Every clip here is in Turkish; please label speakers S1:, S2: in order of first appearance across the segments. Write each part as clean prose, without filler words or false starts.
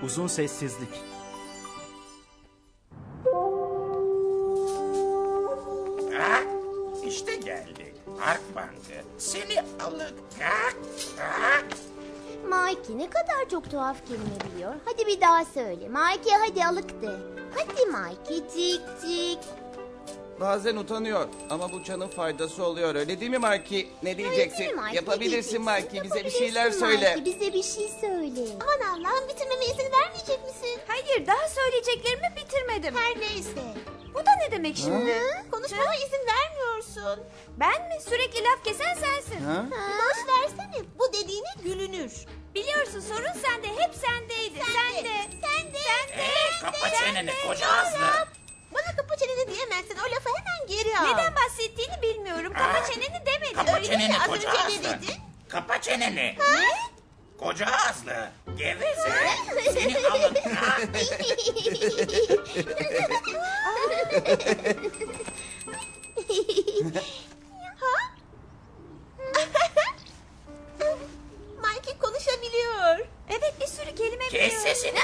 S1: Uzun sessizlik.
S2: Ha? İşte geldi. Harp bandı. Seni alık. Ha? Ha?
S3: Mikey ne kadar çok tuhaf kelime biliyor. Hadi bir daha söyle. Mikey hadi alık de. Hadi Mikey cik cik.
S4: Bazen utanıyor ama bu çanın faydası oluyor. Öyle değil mi Marki? Ne diyeceksin?
S3: Öyle değil mi Mikey?
S4: Yapabilirsin
S3: Ne
S4: Marki.
S3: diyeceksin?
S4: Bize bir şeyler
S3: Yapabilirsin
S4: söyle.
S3: Mikey, bize bir şey söyle. Aman Allah'ım bitirmeme izin vermeyecek misin?
S5: Hayır, daha söyleyeceklerimi bitirmedim.
S3: Her neyse.
S5: Bu da ne demek şimdi?
S3: Konuşmama izin vermiyorsun.
S5: Ben mi? Sürekli laf kesen sensin.
S4: Ha?
S3: Boş versene. Bu dediğine gülünür.
S5: Biliyorsun sorun sende, hep sendeydi. Sen de.
S2: Kapa çeneni koca ağızlı.
S3: Bana kapı çeneni diyemezsin. O lafı hemen geri al.
S5: Neden bahsettiğini bilmiyorum. Kapa çeneni demedim.
S2: Kapa
S3: Öyle
S2: çeneni
S3: mi? Az
S2: koca
S3: önce ne
S2: ağızlı.
S3: dedin?
S2: Kapa çeneni. Koca ağızlı. Geveze. Seni alık. Ha?
S3: Mikey konuşabiliyor.
S5: Evet, bir sürü kelime
S2: Kes
S5: biliyorum.
S2: sesini.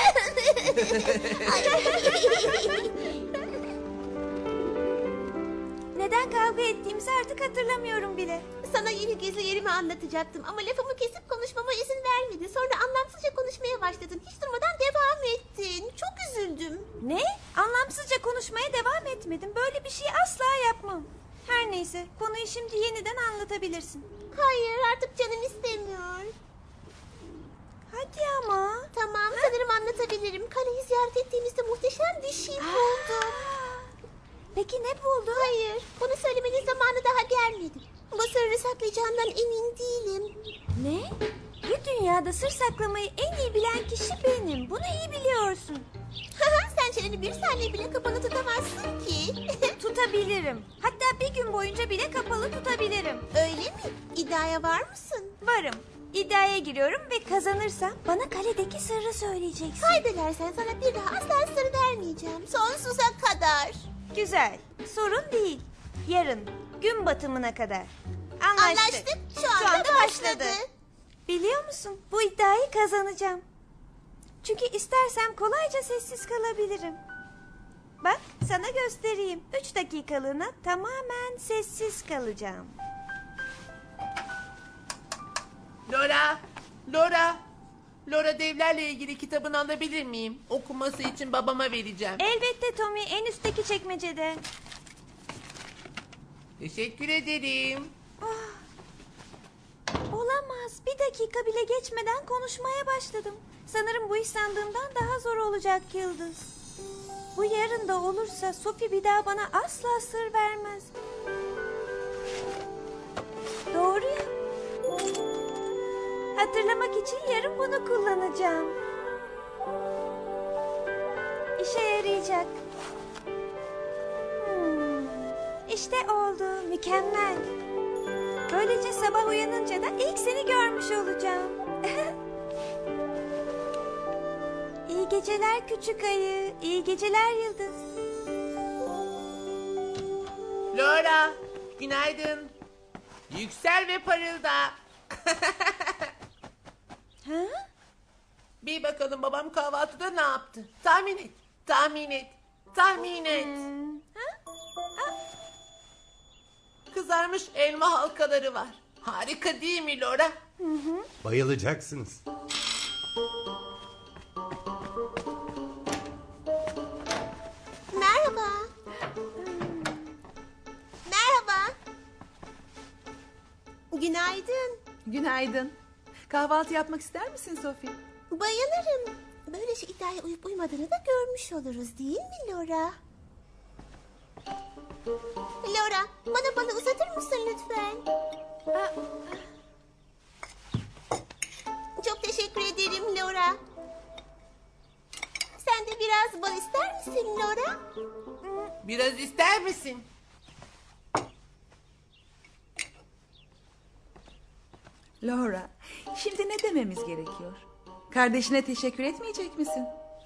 S5: Neden kavga ettiğimizi artık hatırlamıyorum bile.
S3: Sana yeni gizli yerimi anlatacaktım ama lafımı kesip konuşmama izin vermedi. Sonra anlamsızca konuşmaya başladın. Hiç durmadan devam ettin. Çok üzüldüm.
S5: Ne? Anlamsızca konuşmaya devam etmedim. Böyle bir şey asla yapmam. Her neyse, konuyu şimdi yeniden anlatabilirsin.
S3: Hayır artık canım istemiyor.
S5: Hadi ama.
S3: Tamam sanırım anlatabilirim. Kaleyi ziyaret ettiğimizde muhteşem bir şey buldum.
S5: Peki ne buldun?
S3: Hayır bunu söylemenin zamanı daha gelmedi. Bu sırrı saklayacağımdan emin değilim.
S5: Ne? Bu dünyada sır saklamayı en iyi bilen kişi benim. Bunu iyi biliyorsun.
S3: Sen çeneni bir saniye bile kapalı tutamazsın ki.
S5: Tutabilirim. Hatta bir gün boyunca bile kapalı tutabilirim.
S3: Öyle mi? İddiaya var mısın?
S5: Varım. İddiaya giriyorum ve kazanırsam bana kaledeki sırrı söyleyeceksin.
S3: Kaybedersen sana bir daha asla sır vermeyeceğim. Sonsuza kadar.
S5: Güzel. Sorun değil. Yarın gün batımına kadar. Anlaştık.
S3: Anlaştık. Şu anda başladı.
S5: Biliyor musun? Bu iddiayı kazanacağım. Çünkü istersem kolayca sessiz kalabilirim. Bak sana göstereyim. 3 dakikalığına tamamen sessiz kalacağım.
S6: Laura, Laura. Laura devlerle ilgili kitabını alabilir miyim? Okuması için babama vereceğim.
S5: Elbette Tommy, en üstteki çekmecede.
S6: Teşekkür ederim.
S5: Olamaz. Bir dakika bile geçmeden konuşmaya başladım. Sanırım bu iş sandığımdan daha zor olacak Yıldız. Bu yarın da olursa Sophie bir daha bana asla sır vermez. Doğru ya. Hatırlamak için yarın bunu kullanacağım. İşe yarayacak. İşte oldu. Mükemmel. Böylece sabah uyanınca da ilk seni görmüş olacağım. İyi geceler küçük ayı. İyi geceler Yıldız.
S6: Laura, günaydın. Yüksel ve parılda.
S5: Ha?
S6: Bir bakalım babam kahvaltıda ne yaptı? Tahmin et, tahmin et, tahmin et. Kızarmış elma halkaları var. Harika değil mi Laura?
S7: Bayılacaksınız.
S3: Merhaba. Merhaba. Günaydın.
S8: Günaydın. Kahvaltı yapmak ister misin Sophie?
S3: Bayılırım. Böylece iddiaya uyup uymadığını da görmüş oluruz değil mi Laura? Laura, bana balı uzatır mısın lütfen? Çok teşekkür ederim Laura. Sen de biraz bal ister misin Laura?
S6: Biraz ister misin?
S8: Laura, şimdi ne dememiz gerekiyor? Kardeşine teşekkür etmeyecek misin?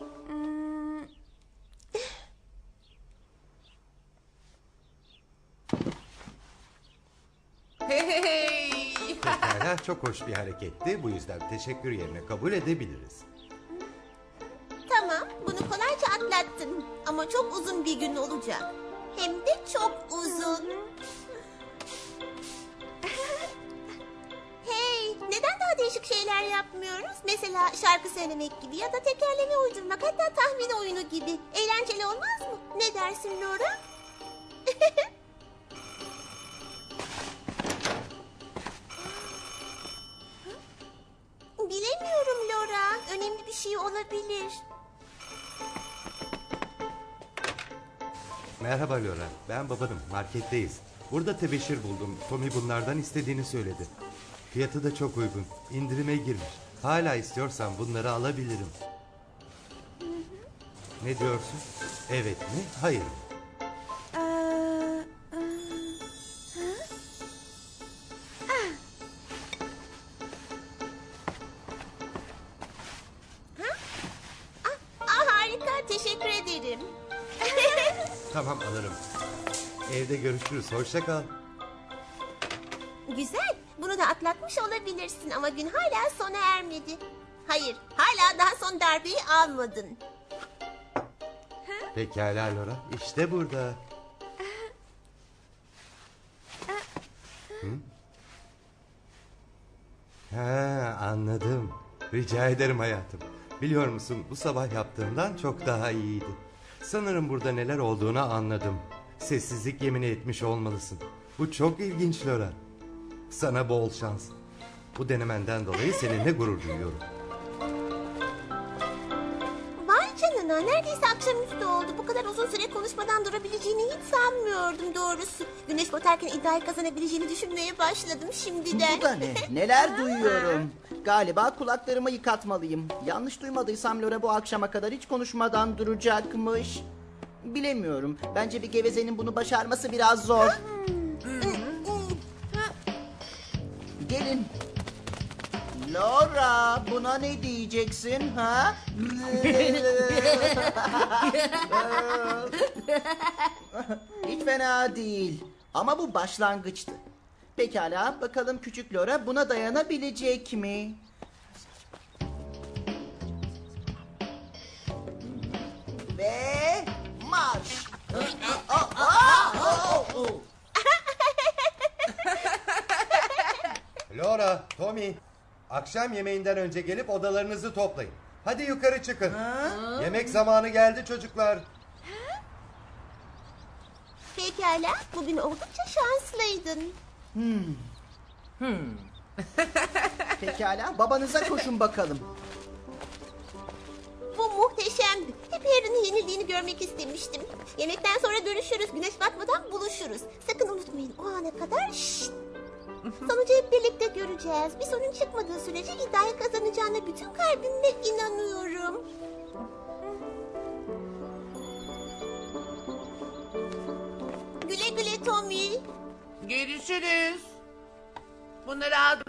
S6: Hey.
S7: Pekala, çok hoş bir hareketti. Bu yüzden teşekkür yerine kabul edebiliriz.
S3: Bunu kolayca atlattın. Ama çok uzun bir gün olacak. Hem de çok uzun. Hey, neden daha değişik şeyler yapmıyoruz? Mesela şarkı söylemek gibi ya da tekerleme uydurmak, hatta tahmin oyunu gibi. Eğlenceli olmaz mı? Ne dersin Laura? Bilemiyorum Laura. Önemli bir şey olabilir.
S7: Merhaba Laura, ben babanım. Marketteyiz. Burada tebeşir buldum. Tommy bunlardan istediğini söyledi. Fiyatı da çok uygun. İndirime girmiş. Hala istiyorsan bunları alabilirim. Ne diyorsun? Evet mi? Hayır mı?
S3: Harika, teşekkür ederim.
S7: Tamam alırım. Evde görüşürüz. Hoşça kal.
S3: Güzel, bunu da atlatmış olabilirsin ama gün hala sona ermedi. Hayır, hala daha son darbeyi almadın.
S7: Pekala Laura. İşte burada. Hı? Ha, anladım. Rica ederim hayatım. Biliyor musun, bu sabah yaptığımdan çok daha iyiydi. Sanırım burada neler olduğunu anladım. Sessizlik yemini etmiş olmalısın. Bu çok ilginç Laura. Sana bol şans. Bu denemenden dolayı seninle gurur duyuyorum.
S3: Vay canına, neredeyse akşamüstü oldu. Bu kadar uzun süre konuşmadan durabileceğini hiç sanmıyordum doğrusu. Güneş batarken iddiayı kazanabileceğini düşünmeye başladım şimdiden.
S1: Bu da ne? Neler duyuyorum. Galiba kulaklarımı yıkatmalıyım. Yanlış duymadıysam Laura bu akşama kadar hiç konuşmadan duracakmış. Bilemiyorum. Bence bir gevezenin bunu başarması biraz zor. Gelin. Laura, buna ne diyeceksin ha? Hiç fena değil. Ama bu başlangıçtı. Pekala, bakalım küçük Laura buna dayanabilecek mi? Ve marş.
S7: Laura, Tommy, akşam yemeğinden önce gelip odalarınızı toplayın. Hadi yukarı çıkın. Yemek zamanı geldi çocuklar.
S3: Pekala, bugün oldukça şanslıydın.
S1: Pekala, babanıza koşun bakalım.
S3: Bu muhteşemdi. Hep Harry'nin yenildiğini görmek istemiştim. Yemekten sonra görüşürüz. Güneş batmadan buluşuruz. Sakın unutmayın, o ana kadar şşt. Sonucu hep birlikte göreceğiz. Bir sorun çıkmadığı sürece iddiayı kazanacağına bütün kalbimle inanıyorum. Güle güle Tommy.
S6: Görüşürüz. Bunları aldım.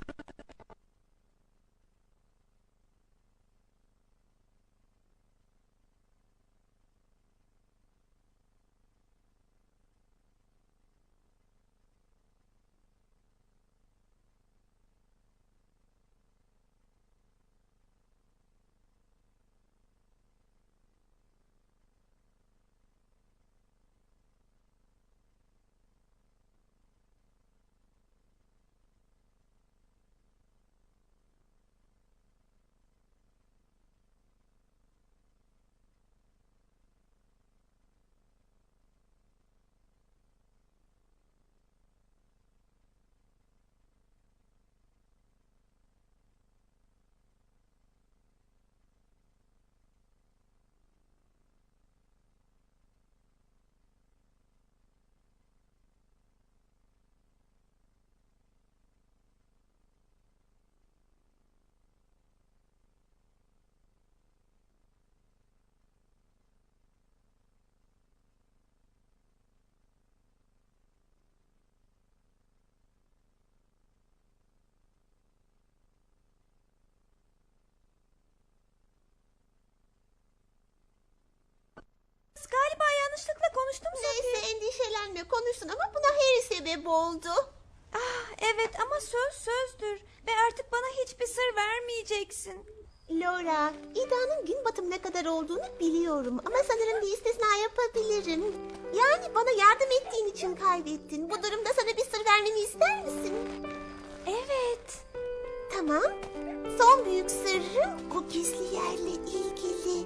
S5: Galiba yanlışlıkla konuştum Sophie.
S3: Neyse, endişelenme, konuşsun ama buna Harry sebep oldu.
S5: Ah, Evet ama söz sözdür. Ve artık bana hiçbir sır vermeyeceksin.
S3: Laura, İda'nın gün batımına kadar olduğunu biliyorum. Ama sanırım bir istisna yapabilirim. Yani bana yardım ettiğin için kaybettin. Bu durumda sana bir sır vermemi ister misin?
S5: Evet.
S3: Tamam. Son büyük sırrım o gizli yerle ilgili.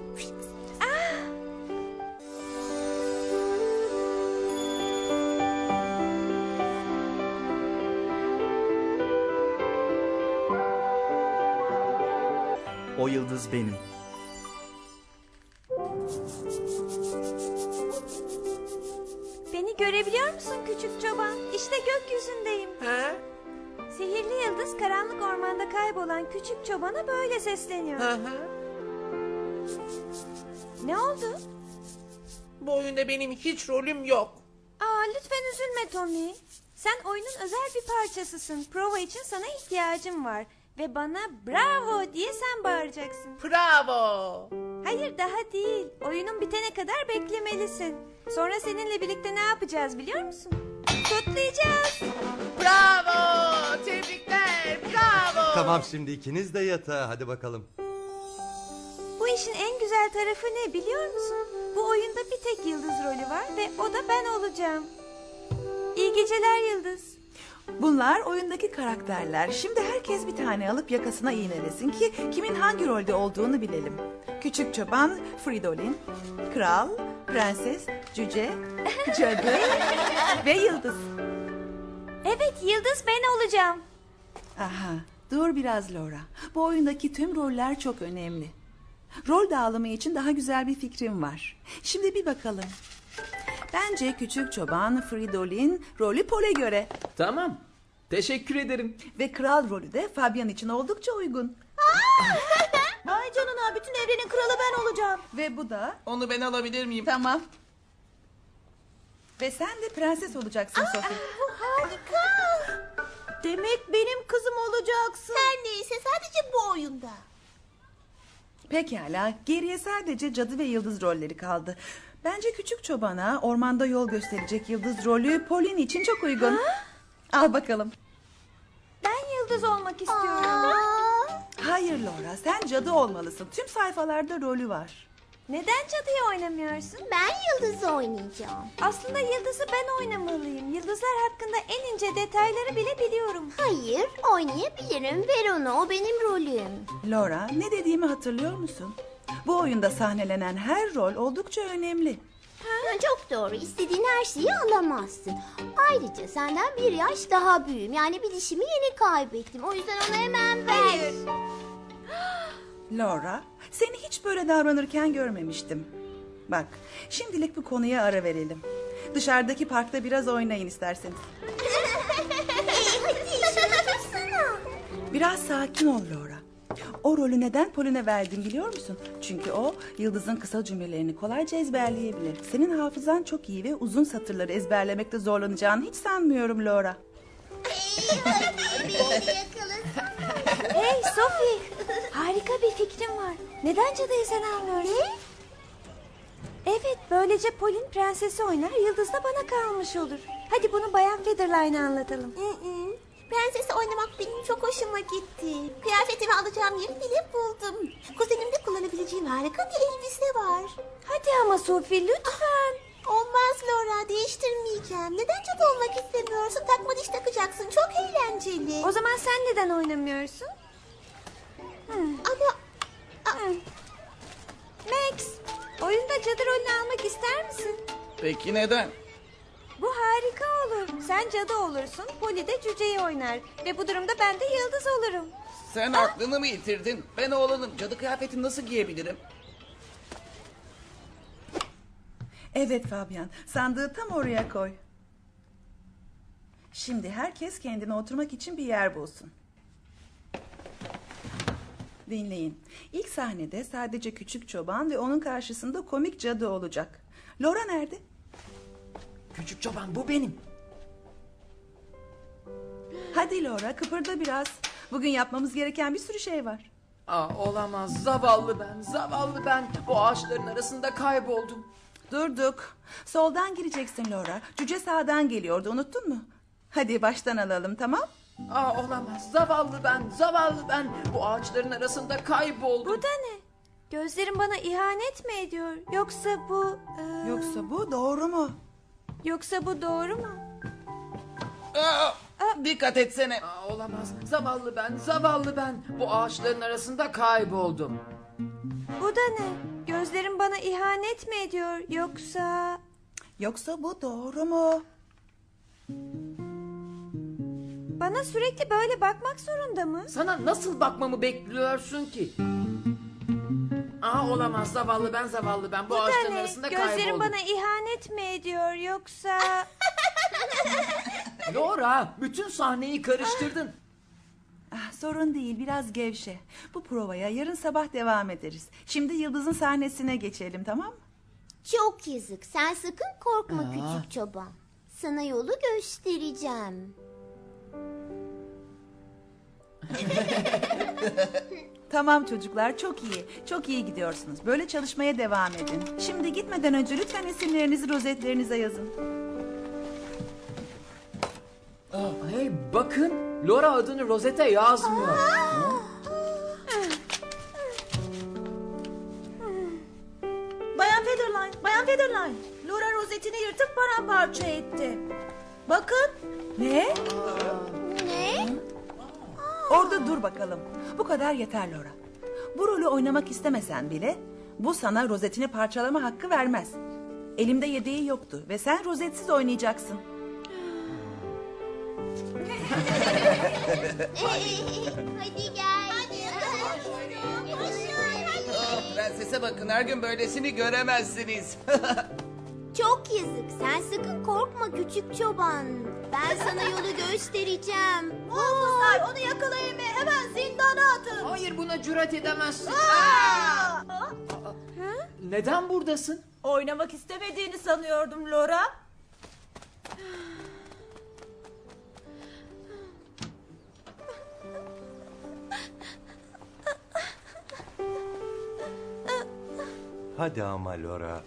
S1: O yıldız benim.
S5: Beni görebiliyor musun küçük çoban? İşte gökyüzündeyim.
S6: Ha?
S5: Sihirli yıldız karanlık ormanda kaybolan küçük çobana böyle sesleniyor.
S6: Hı hı.
S5: Ne oldu?
S6: Bu oyunda benim hiç rolüm yok.
S5: Aa, lütfen üzülme Tommy. Sen oyunun özel bir parçasısın. Prova için sana ihtiyacım var. Ve bana bravo diye sen bağıracaksın.
S6: Bravo.
S5: Hayır, daha değil. Oyunun bitene kadar beklemelisin. Sonra seninle birlikte ne yapacağız biliyor musun? Kutlayacağız.
S6: Bravo. Tebrikler. Bravo.
S7: Tamam, şimdi ikiniz de yatağa, hadi bakalım.
S5: Bu işin en güzel tarafı ne biliyor musun? Bu oyunda bir tek Yıldız rolü var ve o da ben olacağım. İyi geceler Yıldız.
S8: Bunlar oyundaki karakterler. Şimdi herkes bir tane alıp yakasına iğnelesin ki kimin hangi rolde olduğunu bilelim. Küçük çoban Fridolin, kral, prenses, cüce, cadı ve yıldız.
S5: Evet, Yıldız ben olacağım.
S8: Aha, dur biraz Laura. Bu oyundaki tüm roller çok önemli. Rol dağılımı için daha güzel bir fikrim var. Şimdi bir bakalım. Bence küçük çoban Fridolin rolü Pol'e göre
S9: Tamam. Teşekkür ederim.
S8: ve kral rolü de Fabian için oldukça uygun.
S3: Vay canına, bütün evrenin kralı ben olacağım.
S8: Ve bu da
S4: Onu ben alabilir miyim?
S8: tamam. Ve sen de prenses olacaksın Sophie.
S3: Bu harika. Demek benim kızım olacaksın. Her neyse, sadece bu oyunda.
S8: Pekala, geriye sadece cadı ve yıldız rolleri kaldı. Bence küçük çobana ormanda yol gösterecek yıldız rolü Pauline için çok uygun. Al bakalım.
S5: Ben Yıldız olmak istiyorum.
S8: Hayır Laura, sen cadı olmalısın. Tüm sayfalarda rolü var.
S5: Neden cadıyı oynamıyorsun?
S3: Ben Yıldız'ı oynayacağım.
S5: Aslında Yıldız'ı ben oynamalıyım. Yıldızlar hakkında en ince detayları bile biliyorum.
S3: Hayır, oynayabilirim. Ver onu, o benim rolüm.
S8: Laura, ne dediğimi hatırlıyor musun? Bu oyunda sahnelenen her rol oldukça önemli.
S3: Çok doğru. İstediğin her şeyi alamazsın. Ayrıca senden bir yaş daha büyüğüm. Yani bir dişimi yeni kaybettim. O yüzden onu hemen ver.
S8: Laura, seni hiç böyle davranırken görmemiştim. Bak, şimdilik bu konuya ara verelim. Dışarıdaki parkta biraz oynayın isterseniz.
S3: Hadi şunu tutsana.
S8: Biraz sakin ol Laura. O rolü neden Pauline'e verdim biliyor musun? Çünkü o Yıldız'ın kısa cümlelerini kolayca ezberleyebilir. Senin hafızan çok iyi ve uzun satırları ezberlemekte zorlanacağını hiç sanmıyorum Laura.
S3: Beni yakalasın.
S5: Hey Sophie, harika bir fikrim var. Neden cadıyı sen almıyorsun? Evet, böylece Pauline prensesi oynar, Yıldız da bana kalmış olur. Hadi bunu Bayan Featherline'a anlatalım.
S3: Prensesi oynamak benim çok hoşuma gitti. Kıyafetimi alacağım yeri bile buldum. Kuzenimde kullanabileceğim harika bir elbise var.
S5: Hadi ama Sophie, lütfen.
S3: Olmaz Laura, değiştirmeyeceğim. Neden cadı olmak istemiyorsun? Takma diş takacaksın, çok eğlenceli.
S5: O zaman sen neden oynamıyorsun?
S3: Ama
S5: Max, oyunda cadı rolünü almak ister misin?
S4: Peki neden?
S5: Bu harika olur. Sen cadı olursun, Polly de cüceyi oynar. Ve bu durumda ben de Yıldız olurum.
S4: Sen aklını mı yitirdin? Ben oğlanım. Cadı kıyafetini nasıl giyebilirim?
S8: Evet Fabian, sandığı tam oraya koy. Şimdi herkes kendine oturmak için bir yer bulsun. Dinleyin. İlk sahnede sadece küçük çoban ve onun karşısında komik cadı olacak. Laura nerede?
S9: Küçük çoban bu benim.
S8: Hadi Laura, kıpırda biraz. Bugün yapmamız gereken bir sürü şey var.
S9: Olamaz. Zavallı ben. Zavallı ben. Bu ağaçların arasında kayboldum.
S8: Durduk. Soldan gireceksin Laura. Cüce sağdan geliyordu, unuttun mu? Hadi baştan alalım, tamam?
S9: Olamaz. Zavallı ben, zavallı ben. Bu ağaçların arasında kayboldum.
S5: Bu da ne? Gözlerim bana ihanet mi ediyor? Yoksa bu...
S8: Yoksa bu doğru mu?
S5: Yoksa bu doğru mu?
S8: Dikkat etsene.
S9: Olamaz. Zavallı ben, zavallı ben. Bu ağaçların arasında kayboldum.
S5: Bu da ne? Gözlerim bana ihanet mi ediyor? Yoksa...
S8: Yoksa bu doğru mu?
S5: Bana sürekli böyle bakmak zorunda mı?
S9: Sana nasıl bakmamı bekliyorsun ki? Olamaz. Zavallı ben, zavallı ben. Bu
S5: Bu da
S9: ağaçların
S5: ne?
S9: arasında
S5: Gözlerim
S9: kayboldum.
S5: bana ihanet mi ediyor? Yoksa...
S9: Laura, bütün sahneyi karıştırdın.
S8: Sorun değil, biraz gevşe. Bu provaya yarın sabah devam ederiz. Şimdi Yıldız'ın sahnesine geçelim, tamam mı?
S3: Çok yazık. Sen sakın korkma küçük çoban. Sana yolu göstereceğim.
S8: Tamam çocuklar, çok iyi. Çok iyi gidiyorsunuz. Böyle çalışmaya devam edin. Şimdi gitmeden önce lütfen isimlerinizi rozetlerinize yazın.
S9: Hey bakın, Laura adını rozete yazmıyor.
S10: Bayan Featherline, Bayan Featherline. Laura rozetini yırtıp paramparça etti. Bakın.
S8: Ne?
S3: Ne?
S8: Orada dur bakalım. Bu kadar yeter Laura. Bu rolü oynamak istemesen bile bu sana rozetini parçalama hakkı vermez. Elimde yedeği yoktu ve sen rozetsiz oynayacaksın.
S3: Hadi gel.
S4: Prensese bakın, her gün böylesini göremezsiniz.
S3: Çok yazık. Sen sakın korkma küçük çoban. Ben sana yolu göstereceğim.
S10: Muhafızlar onu yakalayın ve hemen zindana atın.
S9: Hayır, buna cüret edemezsin. Neden buradasın?
S10: Oynamak istemediğini sanıyordum Laura.
S7: Hadi ama Laura.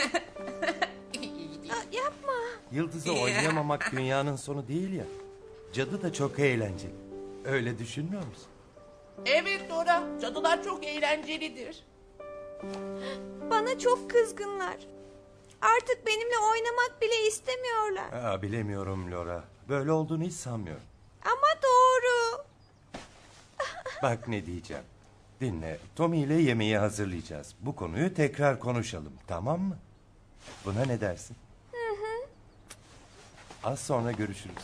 S5: Yapma.
S7: Yıldız'ı oynayamamak dünyanın sonu değil ya. Cadı da çok eğlenceli. Öyle düşünmüyor musun?
S6: Evet Laura, cadılar çok eğlencelidir.
S5: Bana çok kızgınlar. Artık benimle oynamak bile istemiyorlar.
S7: Bilemiyorum Laura. Böyle olduğunu hiç sanmıyorum.
S5: Ama doğru.
S7: Bak ne diyeceğim. Dinle. Tommy ile yemeği hazırlayacağız. Bu konuyu tekrar konuşalım. Tamam mı? Buna ne dersin? Az sonra görüşürüz.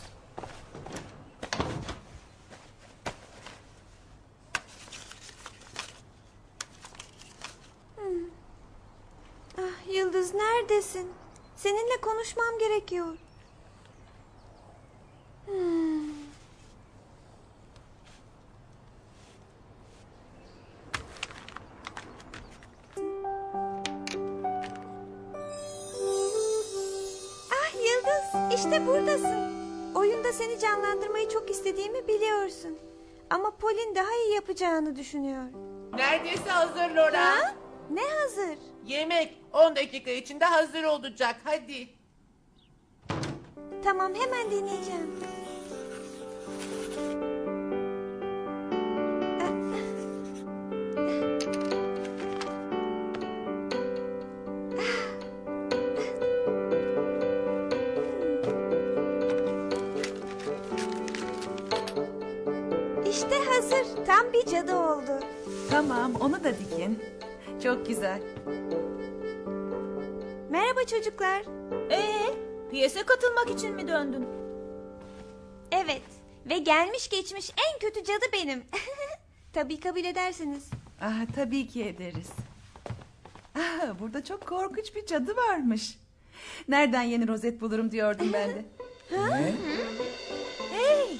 S5: Yıldız neredesin? Seninle konuşmam gerekiyor. Yıldız, işte buradasın. Oyunda seni canlandırmayı çok istediğimi biliyorsun. Ama Pauline daha iyi yapacağını düşünüyor.
S6: Neredeyse hazır Laura.
S5: Ha? Ne hazır?
S6: Yemek 10 dakika içinde hazır olacak. Hadi.
S5: Tamam, hemen deneyeceğim. İşte hazır. Tam bir cadı oldu.
S8: Tamam, onu da dikin. Çok güzel.
S5: Merhaba çocuklar.
S10: Piyese katılmak için mi döndün?
S5: Evet. Ve gelmiş geçmiş en kötü cadı benim. Tabii kabul edersiniz.
S8: Tabii ki ederiz. Burada çok korkunç bir cadı varmış. Nereden yeni rozet bulurum diyordum ben de.
S10: Hey!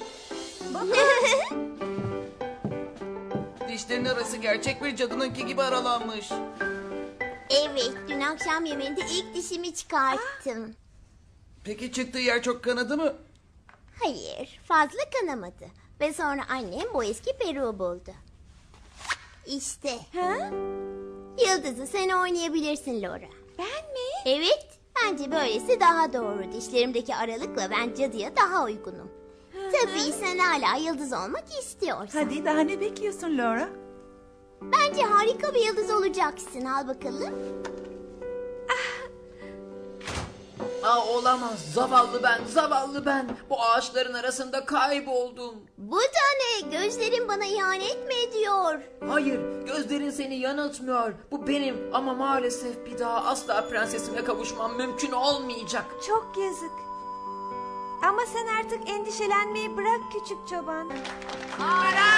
S4: Dişlerin arası gerçek bir cadınınki gibi aralanmış.
S3: Evet, dün akşam yemeğinde ilk dişimi çıkarttım.
S4: Peki çıktığı yer çok kanadı mı?
S3: Hayır, fazla kanamadı. Ve sonra annem bu eski peruğu buldu. İşte.
S5: Ha?
S3: Yıldız'ı sen oynayabilirsin Laura.
S5: Ben mi?
S3: Evet, bence böylesi daha doğru. Dişlerimdeki aralıkla ben cadıya daha uygunum. Tabii sen hala yıldız olmak istiyorsun.
S8: Hadi daha ne bekliyorsun Laura?
S3: Bence harika bir yıldız olacaksın. Al bakalım.
S9: Olamaz. Zavallı ben, zavallı ben. Bu ağaçların arasında kayboldum.
S3: Bu da ne? Gözlerin bana ihanet mi ediyor?
S9: Hayır, gözlerin seni yanıltmıyor. Bu benim ama maalesef bir daha asla prensesime kavuşmam mümkün olmayacak.
S5: Çok yazık. Ama sen artık endişelenmeyi bırak küçük çoban.
S9: Ara!